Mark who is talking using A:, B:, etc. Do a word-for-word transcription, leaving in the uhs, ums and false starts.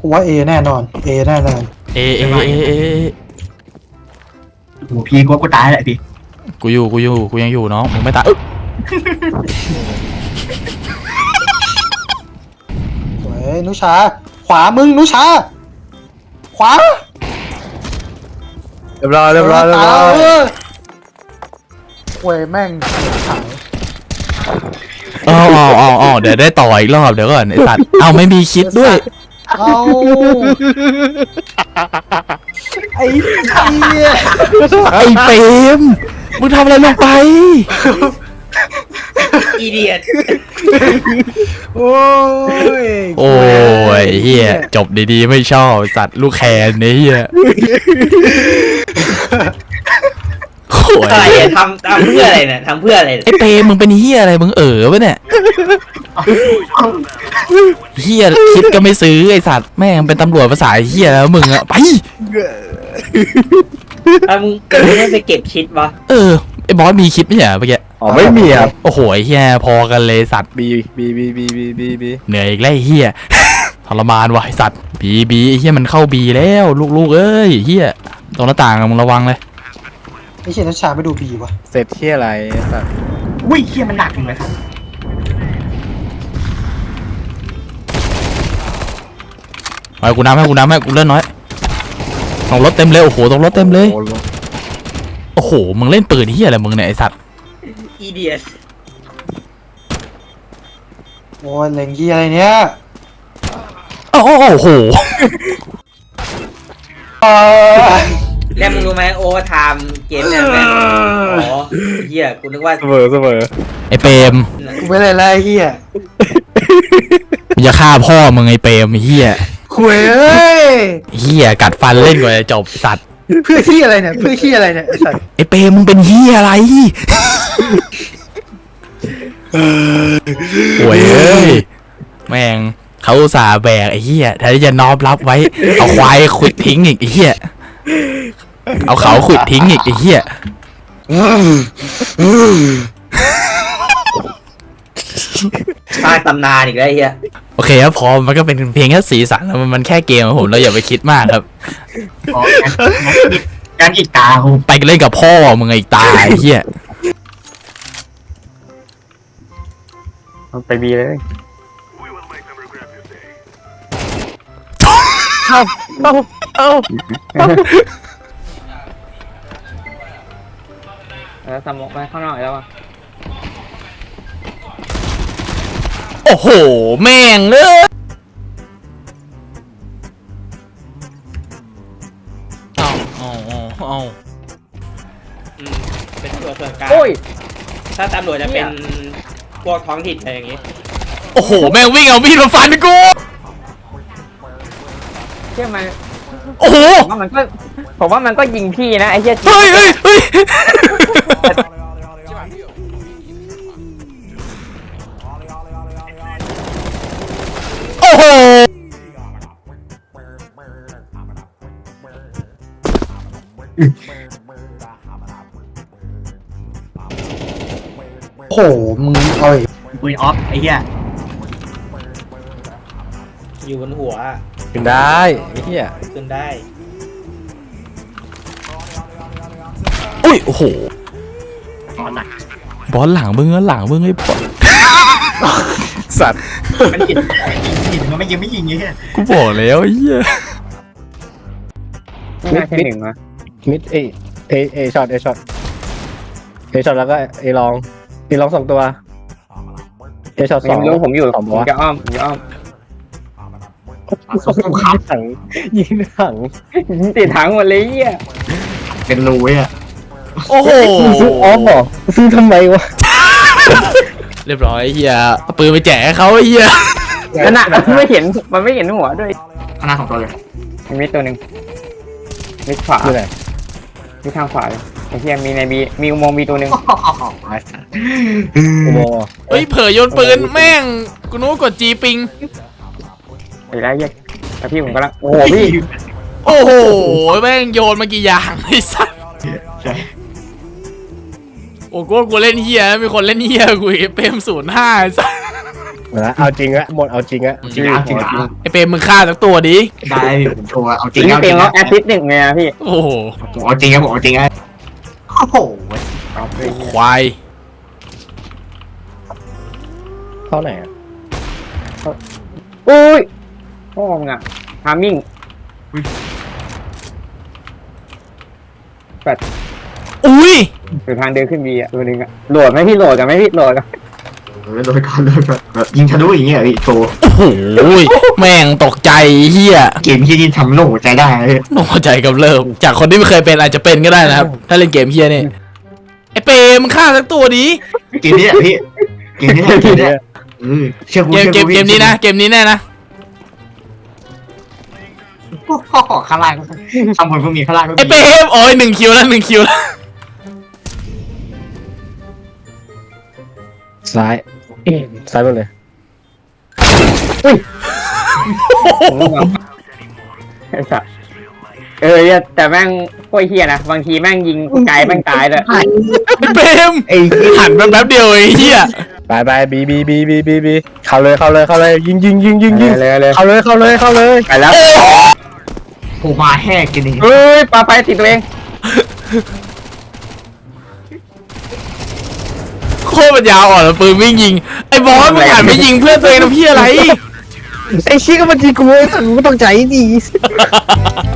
A: กูว่าเอแน่นอนเอแน่นอน
B: เอเอเอเอ
C: โอ้พี่กูกูตายแหละพี่
B: กูอยู่กูอยู่กูยังอยู่น้องมึงไม่ตาย
A: สวยนุชาขวามึงนุชาขวา
D: เรียบร้อยเรียบร้อยเรียบร้อย
A: เว้ยแม่งขาย
B: อ๋ออ๋ออ๋ออ๋อเดี๋ยวได้ต่ออีกรอบเดี๋ยวก่อนไอสัตว์เอาไม่มีคิดด้วย
A: เอาไอ้เหี้ย
B: ไอเปรมมึงทำอะไรลงไป
C: อีเดียต
A: โอ้ย
B: โอ้ยเฮียจบดีๆไม่ชอบสัตว์ลูกแคนนี่เฮียโอ้ย
E: อะไรอะทำทำเพื่ออะไรเนี่ยทำเพื่ออะไร
B: ไอเปรมมึงเป็นเฮียอะไรมึงเอ๋อปะเนี่ยเฮียคิดก็ไม่ซื้อไอสัตว์แม่งเป็นตำรวจภาษาเฮียแล้วมึงอะไป
E: อ่ะมึงก็ไม่ได้ไปเก็บชิดวะ
B: เออไอบอสมีคิดไหมเนี่ยเมื่อกี้
D: อ๋อไม่มีครับ
B: โอ้โหไอ้เฮียพอกันเลยสัตว์
D: บีบีบีบีบีบีบี
B: เหนื่อยอีกแล้วไอ้เฮีย ทรมานว่ะไอ้สัตว์บีบีไอ้เฮียมันเข้าบีแล้วลูกๆเอ้ยเฮียตรงหน้าต่างอะมึงระวังเลย
A: ไอ้เชี่ยนัชชาไม่ดูบีวะ
D: เสร็จที่อะไรสัตว์
C: อุ้ยเฮียมันหนักจริงเลยครับ
B: เอากูน้ำให้กูน้ำให้กูเล่นน้อยตรงรถเต็มเลยโอ้โหตรงรถเต็มเลย
D: โอ้โห
B: โอ้โหมึงเล่นปืนเฮียอะไรมึงเนี่ยไอ้สัตว์
E: อีเดียต
A: โอ้ยเล็งยี่อะไรเนี้ย
B: โอ้โหโอ้โห
A: เออ
E: แล้วมึงรู้ไหมโอเวอร์ไทม์เกมเนี่ยแม่งอ๋อเฮียกูนึกว่า
D: เสมอเสมอ
B: ไอ้เปรม
A: กูไม่เลยไล่เฮีย
B: มึงจะฆ่าพ่อมึงไอ้เปรมไอ้เฮีย
A: คุยเอ้ย
B: เฮียกัดฟันเล่นกว่าจะจบสัตว์
A: เพื่อที่อะไรเนี่ยเพื่อที่อะไรเนี่ยไอ้สัตว์
B: ไอ้เปรมมึงเป็นเฮียอะไรโอ้ยเอ้ยแม่งเขาอุตส่าห์แบกไอ้เหี้ยแทนที่จะน้อมรับไว้ เอาควายขุดทิ้งอีกไอ้เหี้ยเอาเขาขุดทิ้งอีกไอ้เหี้ย
E: สร้างตำนานอีกแล้วไอ้เฮีย
B: โอเคครับพอมันก็เป็นเพียงแค่สีสันแล้วมันแค่เกมครับผมเราอย่าไปคิดมากครับ
C: อ๋อการอีกตากู
B: ไปเล่นกับพ่อมึงไอ้ตายไอ้เหี้ย
D: ไปบีเลย
B: เอาเอาเอา
F: แล้วสมองไปข้างนอกแล้วอ่ะ
B: โอ้โหแม่งเลยเอาเอาเอาเอา
E: อืมเป็นตัวส่วนกลาง
F: โอ้ย
E: ถ้าตำรวจจะเป็นพวกท้องถิ่นอะไรอย่างงี้
B: โอ้โหแม่งวิ่งเอามีดมาฟันกู
F: เชื่อมัน
B: โอ้โห
F: ผมว่ามันก็ผมว่ามันก็ยิงพี่นะไอ้เหี้ย
B: เฮ้ยเฮ้ยเฮ้ยโอ้โห
A: โอ้โหมึงเอาอีก
C: ปืนออฟไอ้เหี้ย
E: อยู่บนหัว
D: ขึ้นได้ไอ้เหี้ย
E: ขึ้นได้
B: อุ้ยโอ้โห
C: ตอนหนัก
B: บอลหลังมึงอะหลังมึงไอ้บอล
D: สัตว์
C: มันหินหินมันไม่ยิงไม่ยิงไอ้เหี้ย
B: กูบอกแล้วไอ้เหี้ย
F: ไม่น่าใช่หนึ่งวะ
D: มิดเอเอเอช็อตเอช็อตเอช็อตแล้วก็เอลองเอลองสองตัวเอช็อตส
F: ยั
D: อง
F: งรู้ผมอยู่
D: สอง
F: ผ
D: ตัว
F: มจะอ้อมผมจะอ้อม
D: ยิงถังยิงถัง
F: ยิงติดถังหมดเลยไอ้เหี้ย
C: เป็นรูไอ่ะ
B: โอ้โห
D: ซื้อออฟเหรอซื้อทำไมวะ
B: เรียบร้อยไอ้เหี้ยเอาปืนไปแจกให้เขาไอ้เหี้ย
F: นั่นน่ะมันไม่เห็นมันไม่เห็นหัวด้วย
C: ข้างหน้าของตัวเลย
F: มีตัวหนึ่งมีขวา
D: คืออะไร
F: มีทางขวาเลยไอ้เหี้ยมีในบีมีอุโมงค์มีตัวหนึ่ง
D: อุโมงค์เหรอ
B: เฮ้ยเผยโยนปืนแม่งกูนู้กดจีปิง
F: ไอ้ไรเหี้ยแต่พี่ผมก็ละโอ้โหพี่
B: โอ้โหแม่งโยนมากี่อย่างไอ้สัส
C: ใช่
B: โอ้กูว่ากูเล่นเฮียมีคนเล่นเฮียกูอีกเปรมศูนย์ห้าไอ้สัส
D: นะเอาจริงอะหมดเอาจริงอะ
C: จริงอ่ะจริงอ่ะ
B: ไอเปรมมึงฆ่าสักตัวดิ
C: ได้ผมโชว์เอาจ
F: จ
C: ริ
F: ริ
C: ง
F: ง
C: เอาจ
F: เต็
C: ริ
F: ม
C: ง
F: แล้วแอสซิสต์หนึ่งเลยนะพี่
B: โอ้โห
C: ผมเอาจริงครับผมเอาจริงครับโอ้โห
F: เอาไป
B: ควาย
D: เข้าไหนอะ
F: อุ้ยพ่อมึงอะทามมิ่ง
B: อุ้ย
F: อยู่ทางเดินขึ้นบีอะตัวหนึงอะโหลดไหมพี่โหลดกันไหมพี่โหลดกัน
C: เออโดยการเลยแบบแบบยิงทะลุอย่างเงี้ยพี่โชว์
B: โอ้โหแม่งตกใจเฮีย
C: เกมที่ยิงทำโล่หัวใจได้เลย
B: โอ้ใจกับเริ่มจากคนที่ไม่เคยเป็นอาจจะเป็นก็ได้นะครับ ถ้าเล่นเกมเฮียนี่ไอเปรมมึงฆ่าสักตัวดิ
C: เกมนี้แหละพี่เกมนี้แหละเกมนี้แหละเออเชื่อกู
B: เกม
C: ชื่อ
B: เกมเกมนี้นะเกมนี้แน่นะ
C: โอ้โหข้างล่างข้างบนก็มีข้างล่างก็
B: ไอ
C: มี
B: เปรมโอ้ยหนึ่งคิวแล้วหนึ่งคิวแล้ว
D: ซ้ายซ้ายหมดเลย
F: ผมก็แบบไอ้สัสเออเนี่ยแต่แม่งโคตรเฮียนะบางทีแม่งยิงไกลแม่งตายเลย
B: ไอเปรม
C: ไอ้
B: หันมาแป๊บเดียวไอ้เฮีย
D: ไปไปบีบีบีบีบีบีเข้าเลยเข้าเลยเข้าเลยยิงยิงยิงยิงยิง
F: เลยเลย
D: เข้าเลยเข้าเลยเข้าเลย
F: ไปแล้ว
C: โผล่มาแห้กินเอง
F: เฮ้ยปาไปติดตัวเอง
B: โคตรปัญญาอ่อนแล้วปืนวิ่งยิงไอ้บอสมึงหันไปยิงเพื่อนตัวเองทำเพี้ยอะไร
D: ไอ้ชี้ก็มันจีกูไอ้สัตว์กูก็ต้องใจดี